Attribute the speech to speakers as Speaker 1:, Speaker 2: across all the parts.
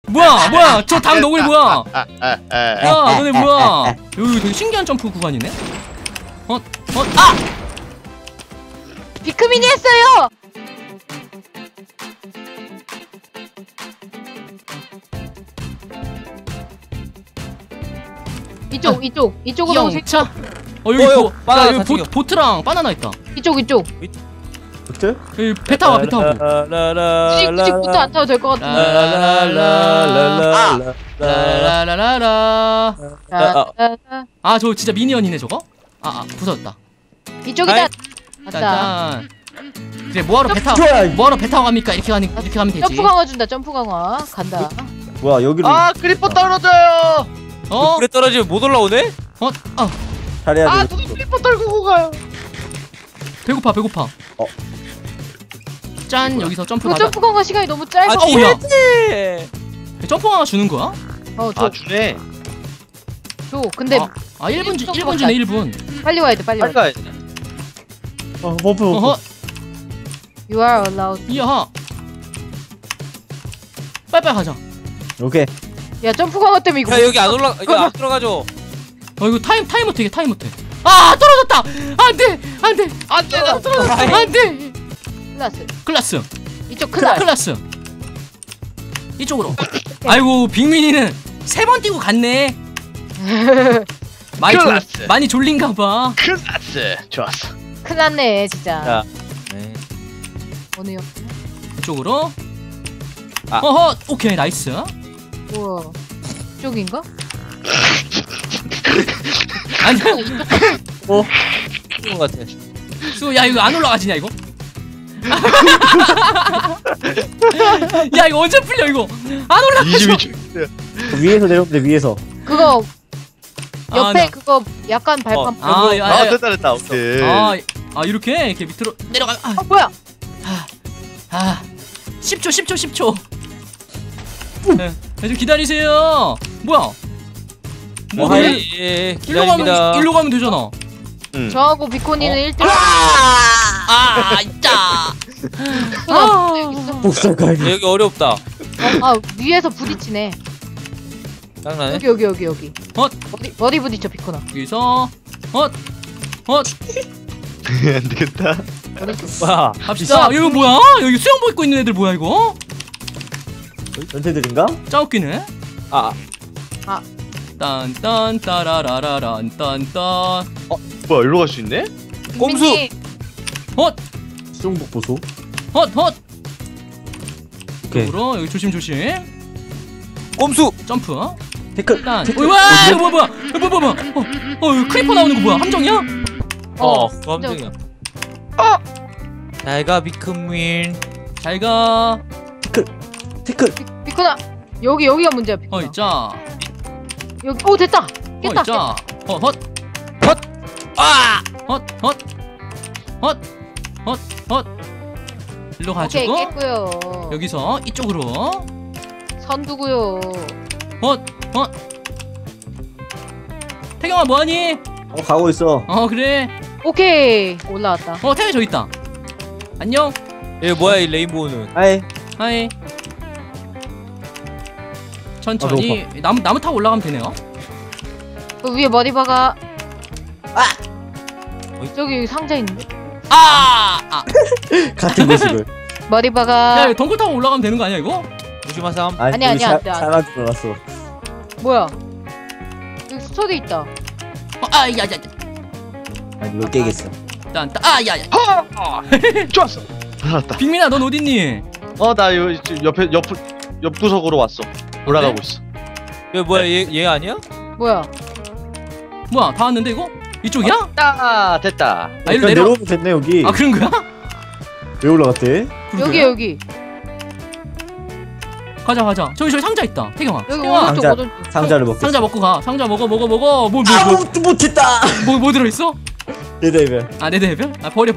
Speaker 1: 뭐야 저 당 너구리 뭐야? 야 너네 뭐야? 여기 되게 신기한 점프 구간이네. 아!
Speaker 2: 비크민이 했어요. 이쪽으로 오세요.
Speaker 1: 영차. 여기 여기 보트랑 바나나 있다.
Speaker 2: 이쪽.
Speaker 3: 보트?
Speaker 1: 여기 배 타고.
Speaker 2: 굳이 보트 안 타도 될 것 같은데.
Speaker 1: 라라라라. 아 저 진짜 미니언이네 저거. 부서졌다.
Speaker 2: 이쪽이다. 맞다.
Speaker 1: 짠. 이제 뭐하러 배 타고 갑니까? 이렇게 가면 되지.
Speaker 2: 점프 강화 준다. 점프 강화 간다.
Speaker 3: 뭐야 여기로?
Speaker 4: 크리퍼 떨어져요.
Speaker 5: 물에 떨어지면 못 올라오네?
Speaker 3: 잘해야 돼.
Speaker 4: 누가 크리퍼 떨고 가요.
Speaker 1: 배고파. 짠 여기서 점프 가자.
Speaker 2: 점프 강화 시간이 너무 짧아.
Speaker 1: 뭐야? 점프 하나 주는 거야?
Speaker 4: 주네.
Speaker 2: 줘. 근데
Speaker 1: 1분 주네 1분.
Speaker 2: 빨리 와야 돼. 빨리
Speaker 4: 가야 돼.
Speaker 3: 버프.
Speaker 2: You are allowed.
Speaker 1: 이야. 빨리 가자.
Speaker 3: 오케이.
Speaker 2: 야 점프 강화 때문에 이거.
Speaker 5: 야 여기 안 올라 이거 안 들어가죠.
Speaker 1: 이거 타임 어떻게 떨어졌다. 안돼.
Speaker 4: 나 떨어졌어.
Speaker 1: 안돼. 클라스.
Speaker 2: 이쪽
Speaker 1: 클라스. 이쪽으로. 아이고 빅민이는 3번 뛰고 갔네. 많이 졸린가봐.
Speaker 4: 클라스. 좋았어.
Speaker 2: 큰일 났네 진짜.
Speaker 5: 자. 네.
Speaker 2: 어느요?
Speaker 1: 이쪽으로. 오케이 나이스.
Speaker 2: 우와. 이쪽인가?
Speaker 1: 아니야.
Speaker 5: 이거 같아.
Speaker 1: 야 이거 안 올라가지냐 이거? 야 이거 언제 풀려 이거? 안 올라가죠.
Speaker 3: 위에서 내려오면 돼 위에서.
Speaker 2: 그거 옆에 그거 약간 발판.
Speaker 4: 됐다. 오케이.
Speaker 1: 이렇게 밑으로 내려가.
Speaker 2: 뭐야?
Speaker 1: 10초. 네, 좀 기다리세요. 뭐야?
Speaker 5: 기다립니다.
Speaker 1: 일로 가면 되잖아.
Speaker 2: 저하고 비코니는 1등.
Speaker 1: 있다.
Speaker 3: 복사가.
Speaker 5: 여기 어렵다.
Speaker 2: 위에서 부딪히네.
Speaker 5: 장난해?
Speaker 2: 여기. 머리 부딪혀 비코나.
Speaker 1: 여기서
Speaker 4: 안 되겠다.
Speaker 5: 와.
Speaker 1: 갑시다. 이거 뭐야? 여기 수영복 입고 있는 애들 뭐야 이거?
Speaker 3: 연태들인가?
Speaker 1: 짜웃기네. 딴딴 따라라라란 딴딴.
Speaker 4: 뭐야 일로 갈 수 있네?
Speaker 5: 꼼수.
Speaker 3: 수영복 보소. 오케이.
Speaker 1: 이쪽으로 여기 조심.
Speaker 5: 꼼수.
Speaker 1: 점프.
Speaker 3: 태클.
Speaker 1: 와 뭐야? 이거 크리퍼 나오는 거 뭐야? 함정이야?
Speaker 5: 함정이야. 잘가 비크민.
Speaker 1: 잘가.
Speaker 3: 태클.
Speaker 2: 비코나 여기가 문제야 비코나.
Speaker 1: 있자.
Speaker 2: 여기 됐다. 깼다.
Speaker 1: 있자. 일로 가지고.
Speaker 2: 오케이 깼고요.
Speaker 1: 여기서 이쪽으로.
Speaker 2: 선두고요.
Speaker 1: 태경아 뭐하니?
Speaker 3: 가고 있어.
Speaker 1: 그래.
Speaker 2: 오케이 올라왔다.
Speaker 1: 태경이 저기 있다. 안녕.
Speaker 5: 얘 뭐야 이 레인보우는?
Speaker 1: 하이. 천천히 나무 타고 올라가면 되네요.
Speaker 2: 그 위에 머리 박아. 저기 상자 있는데.
Speaker 3: 같은 모습을.
Speaker 2: 머리 박아.
Speaker 1: 야 이거 덩굴 타고 올라가면 되는 거 아니야 이거?
Speaker 5: 조심하삼.
Speaker 2: 아니야, 안 돼, 안 돼.
Speaker 3: 사람 들어갔어.
Speaker 2: 뭐야? 여기 스토리 있다.
Speaker 1: 야야.
Speaker 3: 아니 이거 깨겠어.
Speaker 1: 야야.
Speaker 4: 좋았어. 알았다.
Speaker 1: 빅민아 넌 어딨니?
Speaker 4: 나 여기 옆 구석으로 왔어. 올라가고 있어.
Speaker 5: 얘 뭐야 얘 아니야?
Speaker 2: 뭐야?
Speaker 1: 다 왔는데 이거? 이쪽이야?
Speaker 4: 됐다.
Speaker 1: 일로
Speaker 3: 내려오면 됐네 여기.
Speaker 1: 그런 거야?
Speaker 3: 왜 올라갔대?
Speaker 2: 여기.
Speaker 1: 가자. 저기 상자 있다. 태경아.
Speaker 2: 여기 오른쪽.
Speaker 3: 상자를 먹겠어.
Speaker 1: 상자 먹고 가. 상자 먹어.
Speaker 3: 못했다.
Speaker 1: 뭐 들어있어?
Speaker 3: 레드헤븐.
Speaker 1: 레드 해변? 버려.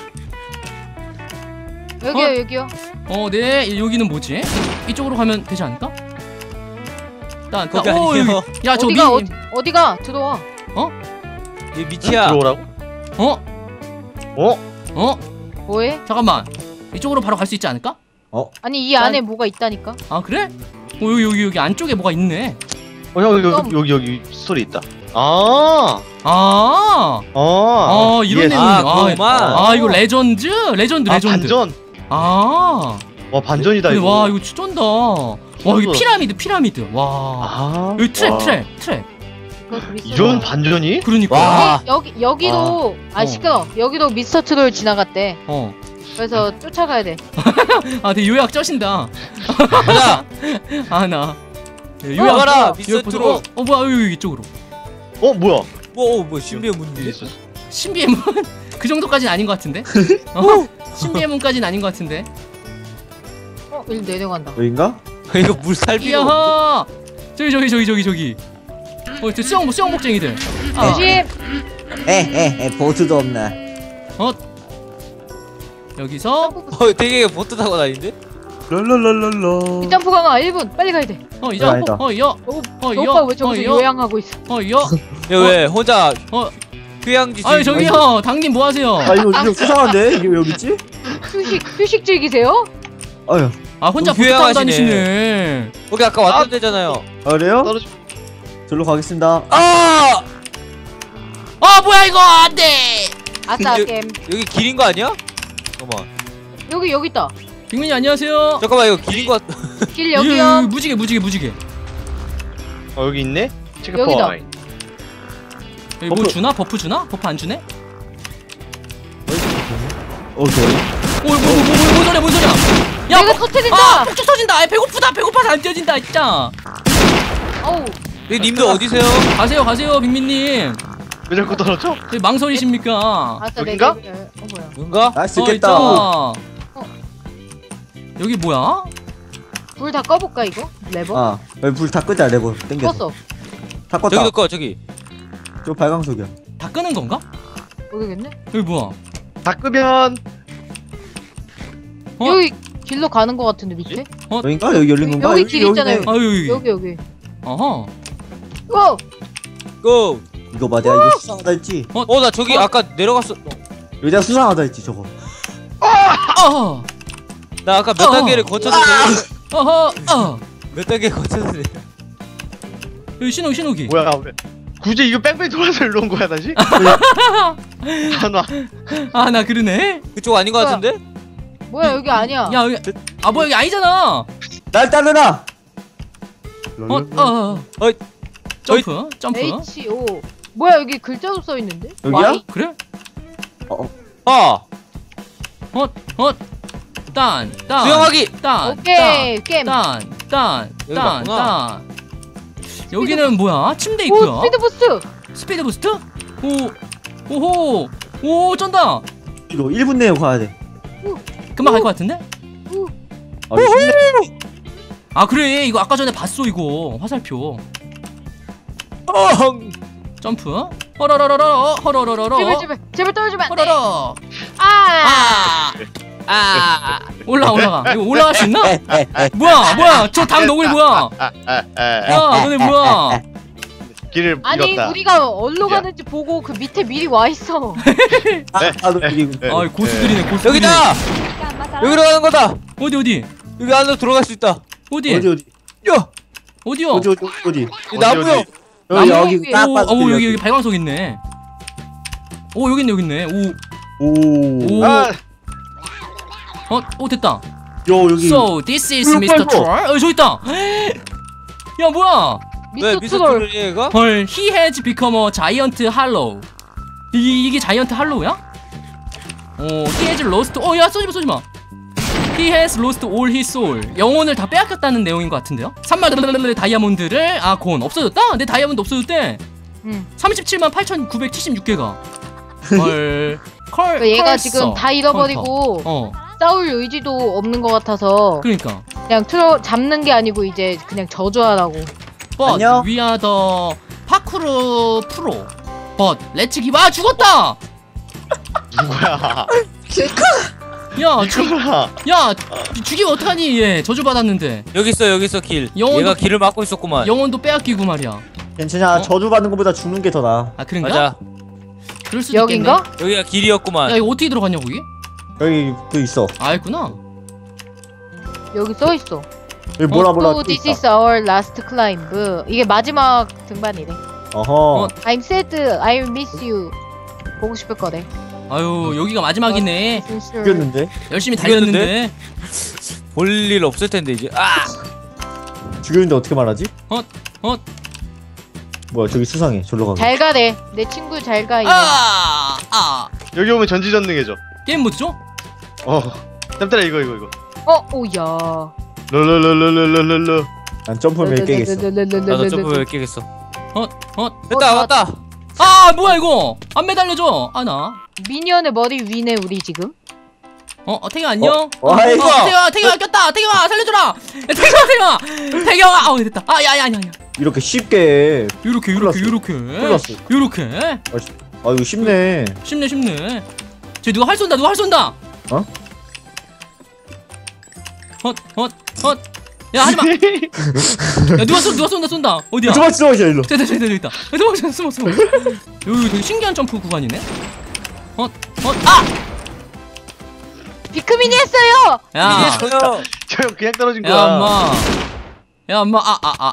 Speaker 2: 여기요.
Speaker 1: 네. 여기는 뭐지? 이쪽으로 가면 되지 않을까?
Speaker 5: 거기 아니에요.
Speaker 1: 야, 저
Speaker 2: 어디가? 들어와.
Speaker 5: 얘 밑이야.
Speaker 4: 들어오라고?
Speaker 2: 뭐해?
Speaker 1: 잠깐만. 이쪽으로 바로 갈 수 있지 않을까?
Speaker 2: 아니 이 안에 뭐가 있다니까.
Speaker 1: 그래? 여기 안쪽에 뭐가 있네.
Speaker 4: 여기 스토리 있다. 아,
Speaker 1: 이런
Speaker 4: 이해했어.
Speaker 1: 내용이네.
Speaker 5: 그거만.
Speaker 1: 이거 레전드.
Speaker 4: 반전.
Speaker 1: 와,
Speaker 4: 반전이다 이거.
Speaker 1: 와, 이거 쩐다. 와, 여기 피라미드. 와, 여기 트랩.
Speaker 4: 이런 반전이?
Speaker 1: 그러니까.
Speaker 5: 와.
Speaker 2: 여기도 시끄러. 여기도 미스터 트롤 지나갔대. 그래서 쫓아가야 돼.
Speaker 1: 되게 요약 쩌신다.
Speaker 5: 가자.
Speaker 1: 나.
Speaker 5: 가라, 미스터 트롤.
Speaker 1: 뭐야, 여기 이쪽으로.
Speaker 4: 뭐야?
Speaker 5: 뭐 신비의 문이.
Speaker 1: 신비의 문? 그 정도까지는 아닌 것 같은데? 신비의 문까지는 아닌 것 같은데?
Speaker 2: 일 내려간다.
Speaker 3: 여긴가?
Speaker 5: 이거 물 살비가.
Speaker 1: 이야! 저기. 저 수영복쟁이들.
Speaker 2: 조심.
Speaker 3: 보트도 없네.
Speaker 1: 여기서
Speaker 5: 되게 보트 타고 다니는데?
Speaker 3: 랄랄랄랄라.
Speaker 2: 점프 강화 1분. 빨리 가야 돼.
Speaker 1: 이제
Speaker 3: 아니다.
Speaker 2: 오빠 왜 저기서 요양하고 있어?
Speaker 5: 야, 왜 혼자 휴양지
Speaker 1: 아니 저기요, 당님 뭐 하세요?
Speaker 3: 이거 수상한데? 이게 왜 여기 있지?
Speaker 2: 휴식 즐기세요?
Speaker 3: 아유.
Speaker 1: 혼자 보트 타고
Speaker 5: 휴양하시네.
Speaker 1: 다니시네.
Speaker 5: 거기 아까 왔던 데잖아요.
Speaker 3: 그래요?
Speaker 4: 떨어지.
Speaker 3: 절로 가겠습니다.
Speaker 1: 뭐야 이거 안 돼.
Speaker 2: 아싸
Speaker 5: 여-
Speaker 2: 게임.
Speaker 5: 여기 길인 거 아니야? 잠깐만.
Speaker 2: 여기 있다.
Speaker 1: 빅민이 안녕하세요.
Speaker 5: 잠깐만, 이거 길인 거 같.
Speaker 2: 길 여기요.
Speaker 1: 무지개.
Speaker 4: 여기 있네. 체크
Speaker 2: 여기다.
Speaker 4: 포인트.
Speaker 1: 여기 뭐 주나? 버프 주나? 버프 안 주네?
Speaker 3: 좋아.
Speaker 1: 뭔 소리야? 야,
Speaker 2: 내가 터뜨린다.
Speaker 1: 폭죽 터진다. 배고파서 안 뛰어진다, 진짜.
Speaker 2: 어우.
Speaker 5: 님들 어디세요?
Speaker 1: 가세요, 빅민님.
Speaker 4: 왜 자꾸 떨어져?
Speaker 1: 망설이십니까?
Speaker 2: 아싸
Speaker 4: 여긴가?
Speaker 2: 뭐야?
Speaker 5: 뭔가?
Speaker 3: 날 수
Speaker 1: 있잖아.
Speaker 3: 있겠다.
Speaker 1: 여기 뭐야?
Speaker 2: 불 다 꺼볼까 이거? 레버?
Speaker 3: 불 다 끄자, 레버. 땡겨.
Speaker 2: 껐어.
Speaker 3: 다 껐다.
Speaker 5: 저기도 꺼, 저기.
Speaker 3: 저 발광석이야.
Speaker 1: 다 끄는 건가?
Speaker 2: 모르겠네.
Speaker 1: 여기 뭐야?
Speaker 4: 다 끄면
Speaker 2: 여기 길로 가는 거 같은데 밑에?
Speaker 3: 여긴가? 여기 열린 건가?
Speaker 2: 여기 길 있잖아요.
Speaker 3: 여기네.
Speaker 2: 여기.
Speaker 1: 어허.
Speaker 2: 고!
Speaker 5: 고!
Speaker 3: 이거 봐, 내가 이거 수상하다 했지.
Speaker 5: 나 저기 아까 내려갔어.
Speaker 3: 여기 내가 수상하다 했지, 저거.
Speaker 5: 나 아까 몇 단계를 거쳐서 몇 단계 거쳐서
Speaker 1: 여기 신호기.
Speaker 4: 뭐야? 왜? 굳이 이거 뺑뺑 돌아서 일로 온 거야 다시? 안 와.
Speaker 1: 나 그러네.
Speaker 5: 그쪽 아닌 거 같은데?
Speaker 2: 뭐야 여기 아니야.
Speaker 1: 야, 여기 뭐야 여기 아니잖아.
Speaker 3: 날 따르라!
Speaker 1: 점프.
Speaker 2: H.O. 뭐야 여기 글자도 써 있는데?
Speaker 3: 여기야?
Speaker 2: Y?
Speaker 1: 그래? 딴.
Speaker 5: 수영하기!
Speaker 2: 오케이 게임.
Speaker 5: 여기 맞구나.
Speaker 1: 여기는 뭐야? 침대
Speaker 2: 오
Speaker 1: 있고요.
Speaker 2: 스피드 부스트.
Speaker 1: 스피드 부스트? 오, 쩐다.
Speaker 3: 이거 1분 내에 가야 돼.
Speaker 1: 금방 갈 것 같은데?
Speaker 3: 쉽네.
Speaker 1: 그래. 이거 아까 전에 봤어 이거. 화살표. 점프. 허러러러러.
Speaker 2: 제발 떨어지면 안 돼.
Speaker 1: 허러러. 올라가. 이거 올라갈 수 있나? 뭐야? 저 당 너구리 뭐야? 야, 너네 뭐야?
Speaker 4: 길을
Speaker 2: 아니
Speaker 4: 잃었다.
Speaker 2: 우리가 어디로 가는지 보고 그 밑에 미리 와 있어.
Speaker 1: 고수들이네.
Speaker 5: 여기다! 여기로 가는 거다!
Speaker 1: 어디?
Speaker 5: 여기 안으로 들어갈 수 있다.
Speaker 1: 어디?
Speaker 5: 야!
Speaker 1: 어디요?
Speaker 3: 어디?
Speaker 5: 이 나무요!
Speaker 3: 여기 딱 봐도
Speaker 1: 여기 발광석 있네. 여기 있네.
Speaker 3: 오.
Speaker 1: 됐다.
Speaker 3: 여기.
Speaker 1: So this is Mr. Troll. 저기 있다. 야, 뭐야?
Speaker 5: 왜
Speaker 2: 미스터 트롤.
Speaker 5: 미스터 얘가?
Speaker 1: 헐, he has become a giant hollow. 이게 자이언트 할로우야? he has lost. 야, 쏘지 마. He has lost all his soul. 영혼을 다 빼앗겼다는 내용인 것 같은데요? 3만 다이아몬드를 곤 없어졌다? 내 다이아몬드 없어졌대. 37만 8,976개가. 헐.
Speaker 2: 얘가 지금 다 잃어버리고 싸울 의지도 없는 것 같아서
Speaker 1: 그러니까
Speaker 2: 그냥 잡는 게 아니고 이제 그냥 저주하라고.
Speaker 1: But
Speaker 3: 안녕?
Speaker 1: we are the 파쿠르 프로. But let's give. 죽었다.
Speaker 4: 누구야?
Speaker 1: 야, 죽이면 어떡하니? 얘 저주 받았는데.
Speaker 5: 여기 있어 길. 얘가 길을 막고 있었구만.
Speaker 1: 영혼도 빼앗기고 말이야.
Speaker 3: 괜찮아. 저주 받는 것보다 죽는 게 더 나아.
Speaker 1: 그런가?
Speaker 5: 맞아.
Speaker 1: 그럴 수도
Speaker 2: 여긴가?
Speaker 1: 있겠네.
Speaker 5: 여기가 길이었구만.
Speaker 1: 야, 이거 어떻게 들어갔냐 거기?
Speaker 3: 여기 있어.
Speaker 1: 있구나.
Speaker 2: 여기 써 있어.
Speaker 3: 여기 뭐라
Speaker 2: So this is our last climb. 이게 마지막 등반이래.
Speaker 3: 어허.
Speaker 2: I'm sad. I miss you. 보고 싶을 거래.
Speaker 1: 아유 여기가 마지막이네.
Speaker 3: 죽였는데?
Speaker 1: 열심히 달렸는데.
Speaker 5: 볼 일 없을 텐데 이제. 아!
Speaker 3: 죽였는데 어떻게 말하지?
Speaker 1: 헛.
Speaker 3: 뭐야 저기 수상해. 절로 가게.
Speaker 2: 잘 가래. 내 친구 잘 가.
Speaker 4: 여기 오면 전지전능해져.
Speaker 1: 게임 모드죠?
Speaker 4: 땀따라 이거.
Speaker 2: 오야.
Speaker 4: 롤롤롤롤롤롤.
Speaker 3: 난 점프를 몇 개겠어.
Speaker 5: 나도 점프 몇 개겠어.
Speaker 1: 헛.
Speaker 5: 됐다 왔다.
Speaker 1: 아 뭐야 이거? 안 매달려줘. 나.
Speaker 2: 미니언의 머리 위네 우리 지금.
Speaker 1: 태경아 안녕.
Speaker 3: 아이고.
Speaker 1: 태경아 꼈다. 태경아 살려줘라. 태경아. 아우 됐다. 야야야.
Speaker 3: 이렇게 쉽게.
Speaker 1: 요렇게.
Speaker 3: 플러스.
Speaker 1: 요렇게.
Speaker 3: 아 이거 쉽네.
Speaker 1: 쉽네. 쟤 누가 활 쏜다.
Speaker 3: 어?
Speaker 1: 헛. 야 하지마. 야 누가 쏜다. 어디야?
Speaker 3: 도망쳐 일로.
Speaker 1: 됐다. 도망쳐 숨어. 여기 되게 신기한 점프 구간이네.
Speaker 2: 비크민이 했어요.
Speaker 1: 야.
Speaker 4: 저 형 그냥 떨어진 거야.
Speaker 1: 야 엄마.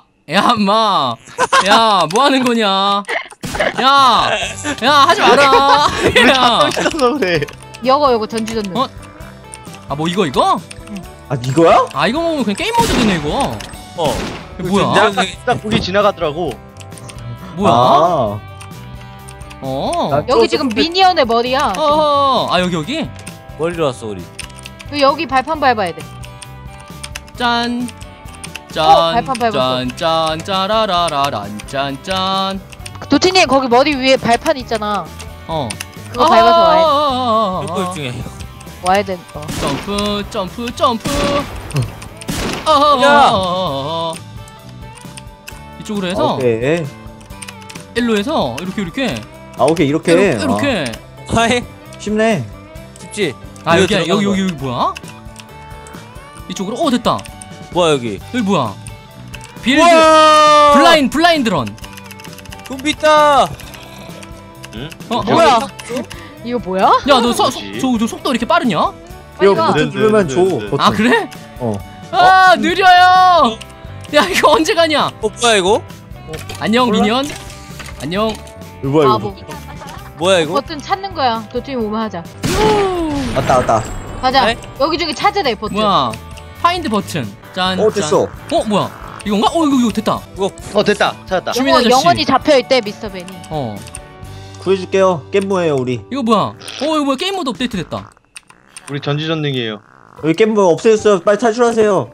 Speaker 1: 야 뭐 하는 거냐? 야 하지 마라. 야.
Speaker 4: 그래.
Speaker 2: 요거 전지전능.
Speaker 1: 뭐 이거?
Speaker 3: 아 이거야?
Speaker 1: 이거 먹으면 그냥 게임 모드 되네 이거. 이거 뭐야?
Speaker 4: 딱 거기 지나가더라고.
Speaker 1: 뭐야?
Speaker 2: 여기 지금 미니언의 머리야.
Speaker 1: 여기?
Speaker 5: 멀리 왔어 우리.
Speaker 2: 여기 발판 밟아야 돼.
Speaker 1: 짠.
Speaker 2: 발판 밟았어.
Speaker 1: 짠 짜라라라란 짠.
Speaker 2: 도티님 거기 머리 위에 발판 있잖아. 그거 밟아서
Speaker 5: 점프 중에.
Speaker 2: 와야 돼.
Speaker 1: 점프. 이쪽으로 해서
Speaker 3: 오케이.
Speaker 1: 일로 해서 이렇게.
Speaker 3: 오케이 이렇게.
Speaker 5: 하이.
Speaker 3: 쉽네.
Speaker 5: 쉽지.
Speaker 1: 여기 뭐야? 이쪽으로 됐다.
Speaker 5: 뭐야 여기
Speaker 1: 뭐야? 빌드 블라인드 런.
Speaker 5: 좀비 있다.
Speaker 1: 뭐야?
Speaker 2: 이거 뭐야?
Speaker 1: 야 너 속도 이렇게 빠르냐?
Speaker 3: 이거
Speaker 2: 가.
Speaker 3: 버튼 누르면 줘. 버튼.
Speaker 1: 그래? 느려요. 야 이거 언제 가냐?
Speaker 5: 뭐야 이거?
Speaker 1: 안녕 미니언. 안녕.
Speaker 3: 이거 뭐야 이거?
Speaker 2: 바보.
Speaker 5: 뭐야 이거?
Speaker 2: 버튼 찾는 거야. 도티님 오면 하자.
Speaker 3: 왔다.
Speaker 2: 가자.
Speaker 5: 네?
Speaker 2: 여기 중에 찾으래 버튼.
Speaker 1: 뭐야? 파인드 버튼. 짠.
Speaker 3: 됐어.
Speaker 1: 뭐야? 이건가? 이거 됐다.
Speaker 4: 됐다. 찾았다.
Speaker 1: 주민 아저씨.
Speaker 2: 영원히 잡혀 있대 미스터 벤이.
Speaker 3: 구해줄게요. 겜모예요 우리.
Speaker 1: 이거 뭐야? 이거 뭐야? 게임 모드 업데이트 됐다.
Speaker 4: 우리 전지전능이에요.
Speaker 3: 여기 겜모 없애졌어요. 빨리 탈출하세요.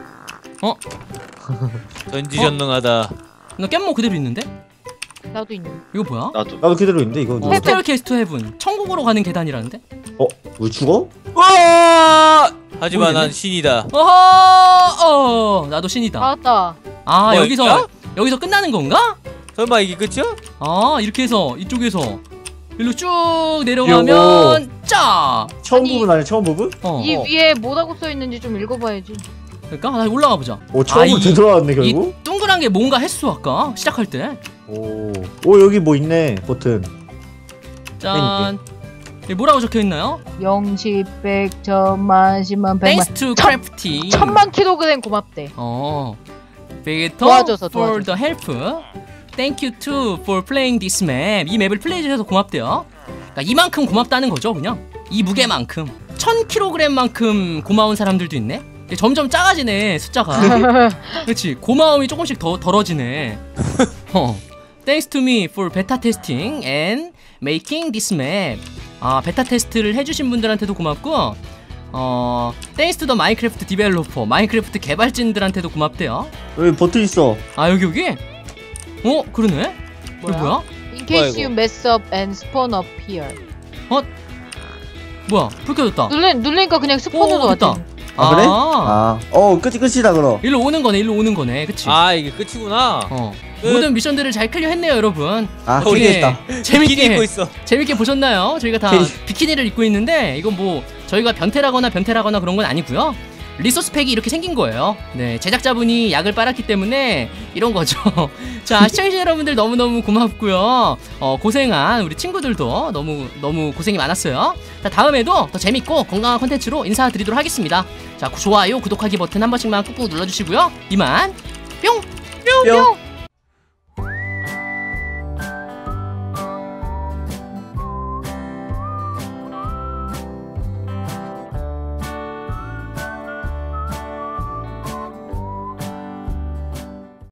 Speaker 5: 전지전능하다.
Speaker 1: 나 겜모 그대로 있는데?
Speaker 2: 나도 있는.
Speaker 1: 이거 뭐야?
Speaker 3: 나도 그대로 있는데 이거.
Speaker 1: 호텔 캐스트 헤븐. 천국으로 가는 계단이라는데?
Speaker 3: 왜 죽어?
Speaker 5: 하지만
Speaker 1: 모르겠네.
Speaker 5: 난 신이다.
Speaker 1: 나도 신이다.
Speaker 2: 맞다.
Speaker 5: 뭐야,
Speaker 1: 여기서 끝나는 건가?
Speaker 5: 설마 이게 끝이야?
Speaker 1: 이렇게 해서 이쪽에서 일로 쭉 내려가면 짜.
Speaker 3: 처음
Speaker 2: 아니,
Speaker 3: 부분 아니야? 처음 부분?
Speaker 2: 이 위에 뭐라고 써 있는지 좀 읽어봐야지.
Speaker 1: 그러니까 나 올라가 보자.
Speaker 3: 처음으로 되돌아왔네
Speaker 1: 이
Speaker 3: 결국.
Speaker 1: 동그란 게 뭔가 했어 아까 시작할 때.
Speaker 3: 오 여기 뭐 있네 버튼.
Speaker 1: 짠. 여기 뭐라고 적혀 있나요?
Speaker 2: 0, 10, 100, 1000만, 10만, 100만.
Speaker 1: Thanks to crafty.
Speaker 2: 1000만 킬로그램 고맙대.
Speaker 1: Better
Speaker 2: 도와줘서.
Speaker 1: for the help. Thank you too for playing this map. 이 맵을 플레이해주셔서 고맙대요. 그러니까 이만큼 고맙다는 거죠, 그냥. 이 무게만큼. 1000kg만큼 고마운 사람들도 있네. 점점 작아지네 숫자가. 그렇지. 고마움이 조금씩 더 덜어지네. Thanks to me for beta testing and making this map. 베타 테스트를 해주신 분들한테도 고맙고, Thanks to the Minecraft developer. 마인크래프트 개발진들한테도 고맙대요.
Speaker 3: 여기 버튼 있어.
Speaker 1: 여기? 그러네. 이거 뭐야?
Speaker 2: In case you mess up and spawn up here.
Speaker 1: 뭐야? 불 켜졌다.
Speaker 2: 누르니까 그냥 스폰으로
Speaker 1: 됐다.
Speaker 3: 그래? 끝이다 그럼.
Speaker 1: 일로 오는 거네. 그치?
Speaker 5: 이게 끝이구나.
Speaker 1: 모든 미션들을 잘 클리어했네요, 여러분.
Speaker 3: 재밌겠다.
Speaker 5: 재밌게 입고 있어.
Speaker 1: 재밌게 보셨나요? 저희가 다 비키니를 입고 있는데 이건 뭐 저희가 변태라거나 그런 건 아니고요. 리소스 팩이 이렇게 생긴 거예요. 네, 제작자분이 약을 빨았기 때문에 이런 거죠. 자, 시청자 여러분들 너무너무 고맙고요. 고생한 우리 친구들도 너무 고생이 많았어요. 자, 다음에도 더 재밌고 건강한 콘텐츠로 인사드리도록 하겠습니다. 자, 좋아요, 구독하기 버튼 한 번씩만 꾹꾹 눌러주시고요. 이만 뿅!
Speaker 3: 뿅.